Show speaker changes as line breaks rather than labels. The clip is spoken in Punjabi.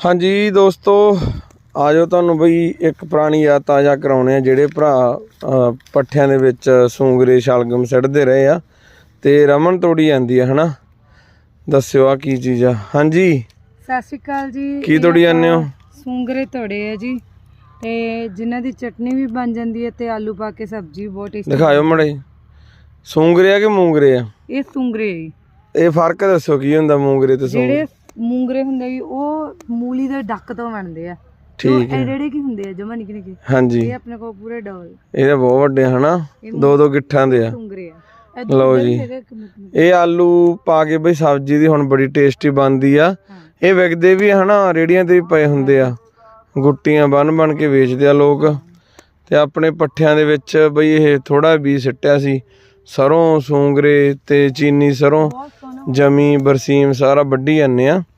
हाँ जी दोस्तों, आ जाओ तुहानूं बई एक पुरानी याद ताज़ा कराउने आ। ਜਿਹੜੇ ਭਰਾ ਪੱਠਿਆਂ ਦੇ ਵਿੱਚ ਸੂੰਗਰੇ ਸ਼ਲਗਮ ਸਿੱਟਦੇ ਰਹੇ ਆ ਤੇ ਰਮਨ ਤੋੜੀ ਜਾਂਦੀ ਆ ਹਨਾ। ਦੱਸਿਓ ਆ ਕੀ ਚੀਜ਼ ਆ। ਹਾਂਜੀ
ਸਤਿ ਸ਼੍ਰੀ ਅਕਾਲ ਜੀ।
ਕੀ ਤੋੜੀ ਜਾਂਦੇ ਹੋ?
ਸੂੰਗਰੇ ਤੋੜੇ ਆ ਜੀ, ਤੇ ਜਿਨ੍ਹਾਂ ਦੀ ਚਟਨੀ ਵੀ ਬਣ ਜਾਂਦੀ ਹੈ ਤੇ ਆਲੂ ਪਾ ਕੇ ਸਬਜ਼ੀ ਬਹੁਤ ਟੇਸਟੀ।
ਦਿਖਾਇਓ ਮੜੇ। ਸੂੰਗਰੇ ਆ ਕਿ ਮੂੰਗਰੇ ਆ?
ਇਹ ਸੂੰਗਰੇ ਜੀ।
ਇਹ ਫਰਕ ਦੱਸੋ ਕੀ ਹੁੰਦਾ ਮੂੰਗਰੇ ਤੇ ਸੂੰਗਰੇ?
ਜਿਹੜੇ ਮੂੰਗਰੇ ਹੁੰਦੇ ਜੀ ਉਹ ਮੂਲੀ ਦੇ ਡੱਕ ਤੋਂ ਬਣਦੇ ਆ।
ਠੀਕ ਹੈ।
ਜਿਹੜੇ ਕੀ ਹੁੰਦੇ ਆ ਜਮਾ ਨਿੱਕੇ ਨਿੱਕੇ।
ਹਾਂਜੀ
ਇਹ ਆਪਣੇ ਕੋਲ ਪੂਰੇ ਡਬਲ।
ਇਹ ਤਾਂ ਬਹੁਤ ਵੱਡੇ ਹਨਾ, ਦੋ ਗਿੱਠਾਂ ਦੇ ਆ।
ਸੂੰਗਰੇ ਆ।
ਲਓ ਜੀ, ਇਹ ਆਲੂ ਪਾ ਕੇ ਬਈ ਸਬਜ਼ੀ ਦੀ ਹੁਣ ਬੜੀ ਟੇਸਟੀ ਬਣਦੀ ਆ। ਇਹ ਵਿਕਦੇ ਵੀ ਹਨਾ, ਰੇੜੀਆਂ ਤੇ ਵੀ ਪਏ ਹੁੰਦੇ ਆ, ਗੁੱਟੀਆਂ ਬਣ ਕੇ ਵੇਚਦੇ ਆ ਲੋਕ। ਤੇ ਆਪਣੇ ਪੱਠਿਆਂ ਦੇ ਵਿੱਚ ਬਈ ਇਹ ਥੋੜਾ ਬੀਜ ਸਿੱਟਿਆ ਸੀ। ਸਰੋਂ, ਸੂੰਗਰੇ ਤੇ ਚੀਨੀ ਸਰੋਂ, ਜਮੀ, ਬਰਸੀਮ ਸਾਰਾ ਵੱਢੀ ਜਾਂਦੇ ਆ।